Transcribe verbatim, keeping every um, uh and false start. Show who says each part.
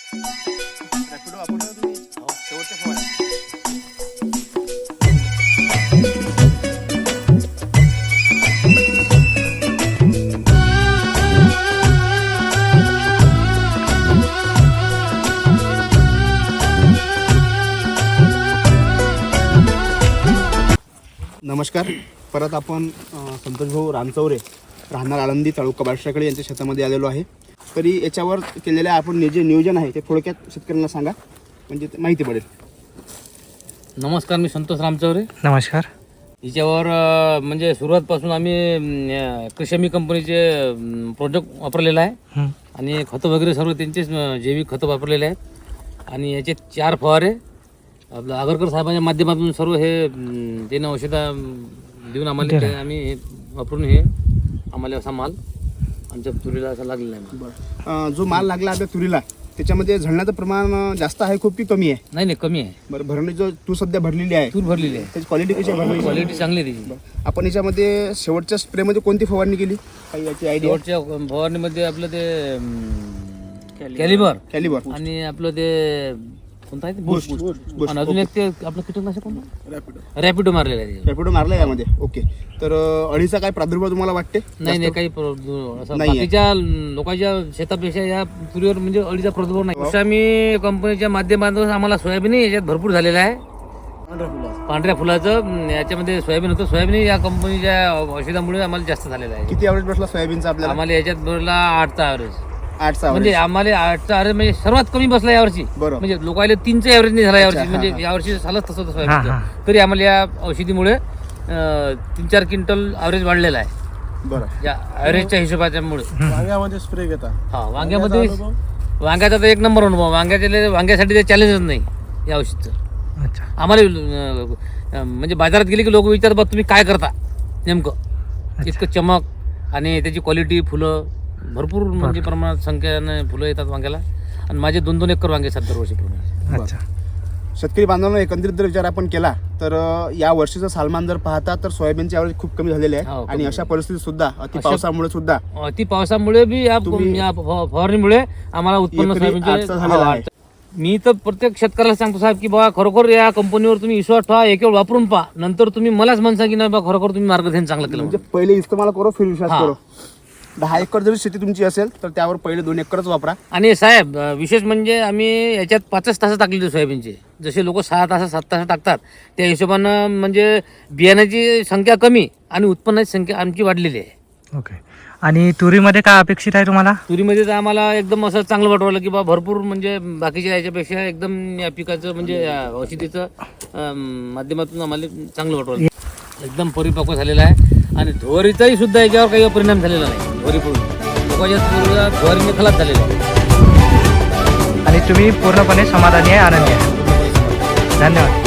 Speaker 1: रॅपिडो वापरला तुम्ही शेवटच्या फवारा. नमस्कार. परत आपण संतोष भाऊ रानचौरे राहणार आळंदी तालुका बार्शीकडे यांच्या शेतामध्ये आलेलो आहे. तरी याच्यावर केलेलं आपण जे नियोजन आहे ते थोडक्यात शेतकऱ्यांना सांगा, म्हणजे माहिती पडेल.
Speaker 2: नमस्कार, मी संतोष रामचौरे.
Speaker 3: नमस्कार.
Speaker 2: याच्यावर अ, म्हणजे सुरुवातपासून आम्ही अ, कृषमी कंपनीचे प्रोडक्ट वापरलेला आहे आणि खतं वगैरे सर्व त्यांचेच अ, जैविक खतं वापरलेले आहेत. आणि याचे चार फवारे आपलं आगरकर साहेबांच्या माध्यमातून सर्व हे अं, त्यानं औषधं देऊन आम्हाला ते आम्ही हे वापरून हे आम्हाला असा माल आमच्या तुरीला असा लागलेला आहे.
Speaker 1: बरं, जो माल लागला आपल्या तुरीला त्याच्यामध्ये झडण्याचं प्रमाण जास्त आहे खूप की कमी आहे?
Speaker 2: नाही नाही कमी आहे.
Speaker 1: बरं, भरणी जो तू सध्या भरलेली आहे
Speaker 2: तूर भरलेली आहे,
Speaker 1: त्याची क्वालिटी कशी आहे? भरणी
Speaker 2: क्वालिटी चांगली आहे त्याची.
Speaker 1: आपण याच्यामध्ये शेवटच्या स्प्रेमध्ये कोणती फवारणी केली, काही याची आयडिया?
Speaker 2: शेवटच्या फवारणीमध्ये आपलं ते कॅलिबर
Speaker 1: कॅलिबर
Speaker 2: आणि आपलं ते कोणतं आहे ते बूस्ट आणि अजून एक ते आपलं कीटकनाशक कोणतं
Speaker 1: रॅपिडो
Speaker 2: रॅपिडो मारलेलं आहे.
Speaker 1: रॅपिडो मारला यामध्ये. ओके. तर अं, अळीचा काय प्रादुर्भाव तुम्हाला वाटते?
Speaker 2: नाही नाही काही प्र- असं
Speaker 1: नाहीये.
Speaker 2: बाकीच्या लोकांच्या शेतापेक्षा या तुरीवर म्हणजे अळीचा प्रादुर्भाव नाही. तसं आम्ही कंपनीच्या माध्यमातून आम्हाला सोयाबीन याच्यात भरपूर झालेलं आहे. पांढऱ्या फुलाचं अं, याच्यामध्ये सोयाबीन होतं. सोयाबीन या कंपनीच्या औषधामुळे आम्हाला जास्त झालेलं आहे.
Speaker 1: किती ॲव्हरेज बसला सोयाबीनचा आपल्याला?
Speaker 2: आम्हाला याच्यात भरला आठचा ॲव्हरेज.
Speaker 1: आठचा
Speaker 2: म्हणजे आम्हाला आठचा ॲव्हरेज म्हणजे सर्वात कमी बसला यावर्षी.
Speaker 1: बरोबर.
Speaker 2: म्हणजे लोकांना तीनचा ॲव्हरेज नाही झाला यावर्षी.
Speaker 1: अच्छा,
Speaker 2: म्हणजे
Speaker 1: हा, हा.
Speaker 2: यावर्षी झालंच तसं तसं
Speaker 3: हा,
Speaker 2: सोयाबीनचं. तरी आम्हाला या औषधीमुळे अं, तीन चार क्विंटल ॲव्हरेज वाढलेला आहे
Speaker 1: बरं.
Speaker 2: या ॲव्हरेजच्या हिशोबाच्यामुळे.
Speaker 4: वांग्यामध्ये स्प्रे घेता?
Speaker 2: हा, वांग्यामध्ये वांग्याचा तर एक नंबर अनुभव. वांग्याचे वांग्यासाठी ते चॅलेंजच नाही या औषधचं.
Speaker 3: अच्छा.
Speaker 2: आम्हाला अं, अं, म्हणजे बाजारात गेले की लोक विचारतात बा तुम्ही काय करता नेमकं. इतकं चमक आणि त्याची क्वालिटी, फुलं भरपूर म्हणजे प्रमाणात संख्येने फुलं येतात वांग्याला. आणि माझे दोन दोन एकर वांगे आहेत दरवर्षी पूर्ण.
Speaker 3: अच्छा.
Speaker 1: शेतकरी बांधवांना एकंदरीत जर विचार आपण केला तर अं, या वर्षीचं सालमान जर पाहता तर सोयाबीनचे ॲव्हरेज खूप कमी झालेले
Speaker 2: हो,
Speaker 1: आहे.
Speaker 2: कमी
Speaker 1: आणि अशा परिस्थितीत सुद्धा अति
Speaker 2: अशा-
Speaker 1: पावसामुळे सुद्धा
Speaker 2: अति पावसामुळे बी या
Speaker 1: तुम्ही-
Speaker 2: या फव- फवारणीमुळे आम्हाला उत्पन्न
Speaker 1: एकरी
Speaker 2: सोयाबीनचे-
Speaker 1: आठचा झालेला
Speaker 2: हा,
Speaker 1: आहे.
Speaker 2: मी तर प्रत्येक शेतकऱ्याला सांगतो साहेब की बाबा खरोखर या कंपनीवर तुम्ही विश्वास ठेवा, एक वेळ वापरून पहा, नंतर तुम्ही मलाच म्हणसा की नाही बा खरोखर तुम्ही मार्गदर्शन चांगलं केलं
Speaker 1: म्हणजे
Speaker 2: म्हणून.
Speaker 1: पहिले इस्तेमाल करो फिर विश्वास
Speaker 2: हा.
Speaker 1: करो. दहा एकर जरी शेती तुमची असेल तर त्यावर पहिले दोन एकरच वापरा.
Speaker 2: आणि साहेब अं, विशेष म्हणजे आम्ही याच्यात पाचच तास टाकलेले सोयाबीनचे. जसे लोक सहा तास सात तास टाकतात त्या हिशोबानं म्हणजे बियाण्याची संख्या कमी आणि उत्पन्नाची संख्या आमची वाढलेली आहे.
Speaker 3: ओके. आणि तुरीमध्ये काय अपेक्षित आहे तुम्हाला?
Speaker 2: तुरीमध्ये तर आम्हाला एकदम असं चांगलं वाटवलं की बा भरपूर म्हणजे बाकीच्या याच्यापेक्षा एकदम या पिकाचं म्हणजे या औषधीचं अं, माध्यमातून आम्हाला चांगलं वाटवलं. एकदम परिपक्व झालेला आहे आणि धुवारीचाही सुद्धा याच्यावर काही परिणाम झालेला नाही. धुवारी पूर्ण लोकांच्या धुवारीने खलास झालेला आहे.
Speaker 3: आणि तुम्ही पूर्णपणे समाधानी आहे, आनंदी आहे. धन्यवाद.